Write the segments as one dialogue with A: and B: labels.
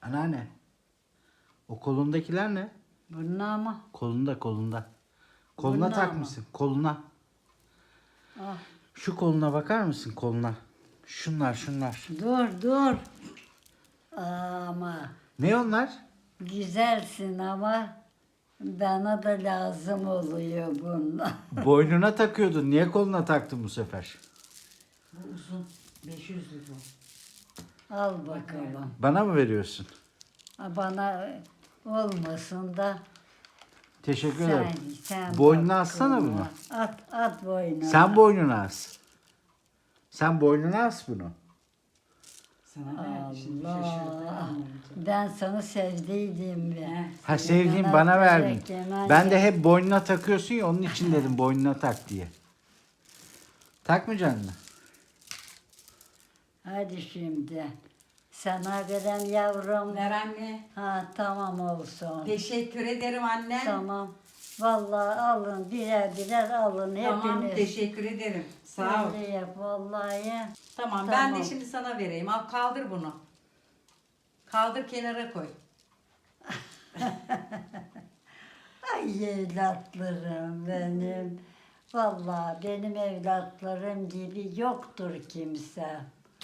A: Anneanne. O kolundakiler ne?
B: Bunlar mı?
A: Kolunda. Koluna
B: Bunlar
A: takmışsın. Koluna.
B: Ah,
A: Şu koluna bakar mısın koluna? Şunlar.
B: dur. Ama
A: Ne onlar?
B: güzelsin ama bana da lazım oluyor bunlar.
A: Boynuna takıyordun. Niye koluna taktın bu sefer?
C: Bu uzun. 500 lira.
B: Al bakalım.
A: Bana mı veriyorsun?
B: Bana olmasın da
A: Teşekkür ederim.
B: sen
A: Boynuna
B: bak
A: assana
B: koluna.
A: bunu.
B: At boynuna.
A: Sen boynuna as. Sen boynuna as bunu.
C: Sana ne? Şimdi şaşırdı.
B: Allah. Ben sana sevdiydim be.
A: Ha sevdiğim
B: Yemen
A: bana
B: gerek,
A: verdin.
B: yemen
A: Ben de
B: gerek.
A: hep boynuna takıyorsun ya onun için dedim boynuna tak diye. Takmayacaksın mı?
B: Hadi şimdi. Sana veren yavrum.
C: Ver anne.
B: Ha tamam olsun.
C: Teşekkür ederim anne.
B: Tamam. Vallahi alın birer alın
C: Tamam,
B: hepiniz.
C: teşekkür ederim. Sağ ol.
B: Öyle yap vallahi.
C: Tamam, ben de
B: Tamam.
C: şimdi sana vereyim. Al kaldır bunu. Kaldır kenara koy.
B: Ay evlatlarım benim. Vallahi benim evlatlarım gibi yoktur kimse.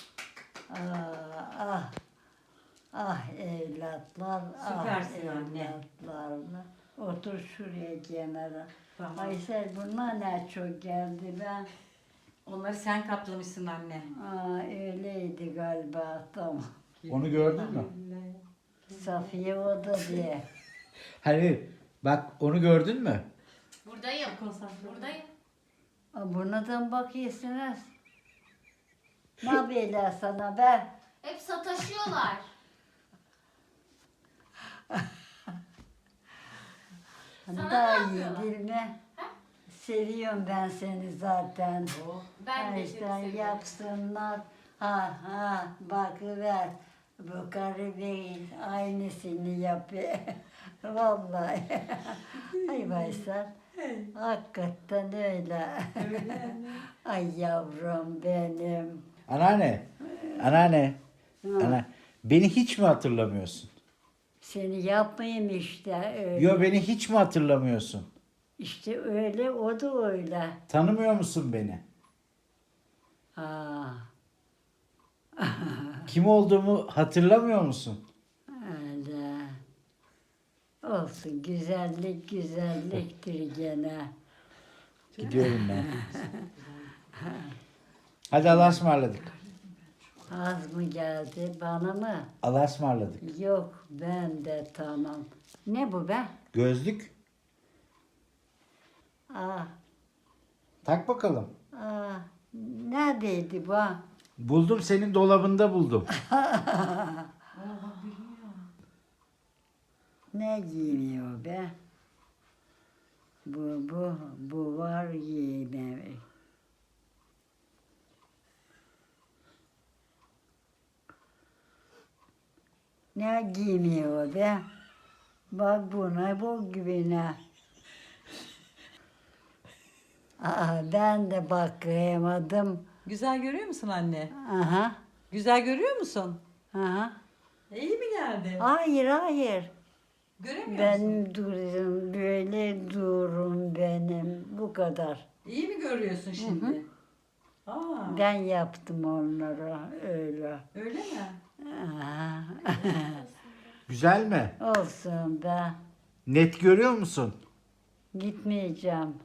B: Ah, ah evlatlar,
C: Süpersin
B: ah
C: anne.
B: evlatlarla. Otur şuraya kenara.
C: Tamam.
B: Aysel bunlar ne çok geldi ben.
C: Onları sen kaplamışsın anne.
B: Öyleydi galiba tamam.
A: Onu gördün mü?
B: Safiye o da diye.
A: Hani bak onu gördün mü?
D: Buradayım. Buradayım.
B: Buna da mı bakıyorsunuz? Ne yapıyorlar sana be?
D: Hep sataşıyorlar. Sana
B: Daha
D: ne
B: iyi
D: yapıyorlar?
B: değil mi? Seviyorum ben seni zaten.
D: Ben de
B: Ay,
D: seni
B: sen
D: seviyorum.
B: yapsınlar. Ha bakıver. Bu karı değil. Aynısını yapıyor. Vallahi. Ay Baysal. Hakikaten öyle. Ay yavrum benim.
A: Anneanne. Ana. Beni hiç mi hatırlamıyorsun?
B: Seni yapmayayım işte öyle.
A: Yo beni hiç mi hatırlamıyorsun?
B: İşte öyle o da öyle.
A: Tanımıyor musun beni?
B: Ha.
A: Kim olduğumu hatırlamıyor musun?
B: Öyle. Olsun güzellik güzelliktir gene.
A: Gidiyorum ben. Hadi Allah'a ısmarladık.
B: Az mı geldi bana mı?
A: Allah'a ısmarladık.
B: Yok ben de tamam. Ne bu be?
A: Gözlük.
B: Ah,
A: Tak bakalım.
B: neredeydi bu?
A: Buldum senin dolabında buldum.
B: Ne giymiyor be? Bu var giymemek. Ne giymiyor be? Bak buna bu gibine. Ben de bakayamadım.
C: Güzel görüyor musun anne?
B: Aha,
C: Güzel görüyor musun?
B: aha.
C: İyi mi geldi?
B: Hayır.
C: Göremiyor musun?
B: Benim durum böyle durum benim. Bu kadar.
C: İyi mi görüyorsun şimdi? Aa,
B: Ben yaptım onları öyle.
C: öyle mi?
B: Aha.
A: Güzel mi?
B: Olsun be.
A: Net görüyor musun?
B: Gitmeyeceğim.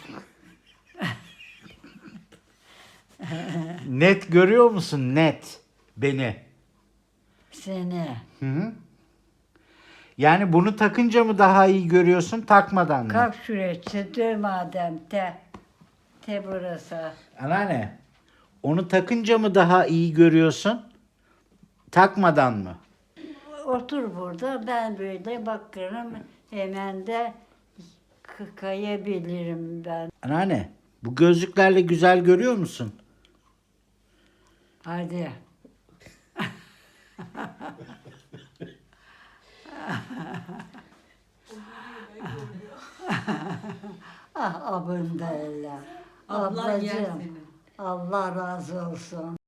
A: Net görüyor musun? Net. Beni.
B: Seni.
A: Hı hı. Yani bunu takınca mı daha iyi görüyorsun, takmadan mı?
B: Kalk şuraya çıtır madem te burası.
A: Anneanne, onu takınca mı daha iyi görüyorsun, takmadan mı?
B: Otur burada ben böyle bakarım hemen de kayabilirim ben.
A: Anneanne, bu gözlüklerle güzel görüyor musun?
B: Hadi. Abın da öyle.
C: Ablan yer
B: Ablacığım,
C: seni.
B: Allah razı olsun.